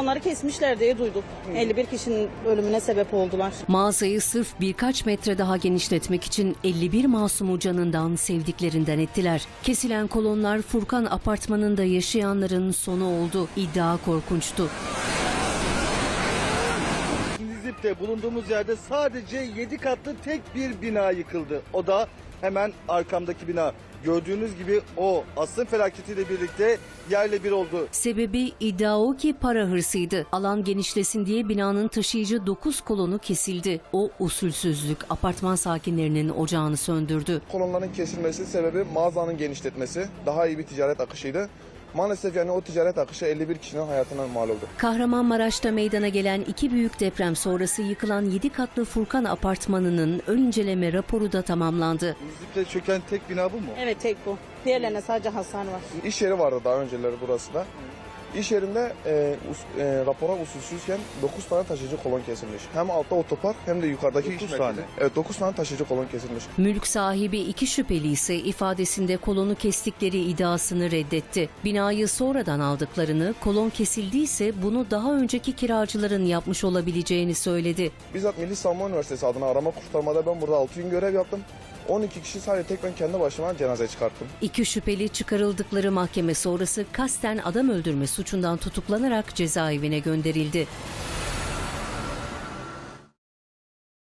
kolonları kesmişler diye duyduk. 51 kişinin ölümüne sebep oldular. Mağazayı sırf birkaç metre daha genişletmek için 51 masumu canından, sevdiklerinden ettiler. Kesilen kolonlar Furkan apartmanında yaşayanların sonu oldu. İddia korkunçtu. Nizip'te bulunduğumuz yerde sadece 7 katlı tek bir bina yıkıldı. O da hemen arkamdaki bina. Gördüğünüz gibi o asrın felaketiyle birlikte yerle bir oldu. Sebebi iddia o ki para hırsıydı. Alan genişlesin diye binanın taşıyıcı 9 kolonu kesildi. O usulsüzlük apartman sakinlerinin ocağını söndürdü. Kolonların kesilmesi sebebi mağazanın genişletmesi. Daha iyi bir ticaret akışıydı. Maalesef yani o ticaret akışı 51 kişinin hayatına mal oldu. Kahramanmaraş'ta meydana gelen 2 büyük deprem sonrası yıkılan 7 katlı Furkan apartmanının ön inceleme raporu da tamamlandı. Nizip'te çöken tek bina bu mu? Evet, tek bu. Diğerlerine sadece hasar var. İş yeri vardı daha önceleri burası da. İş yerinde rapora usulsüzken 9 tane taşıyıcı kolon kesilmiş. Hem altta otopark hem de yukarıdaki 9 iş tane. merkezi. Evet, 9 tane taşıyıcı kolon kesilmiş. Mülk sahibi 2 şüpheli ise ifadesinde kolonu kestikleri iddiasını reddetti. Binayı sonradan aldıklarını, kolon kesildiyse bunu daha önceki kiracıların yapmış olabileceğini söyledi. Bizzat Milli Savunma Üniversitesi adına arama kurtarmada ben burada 6 gün görev yaptım. 12 kişi sadece tek ben kendi başıma cenaze çıkarttım. 2 şüpheli çıkarıldıkları mahkeme sonrası kasten adam öldürme suçundan tutuklanarak cezaevine gönderildi.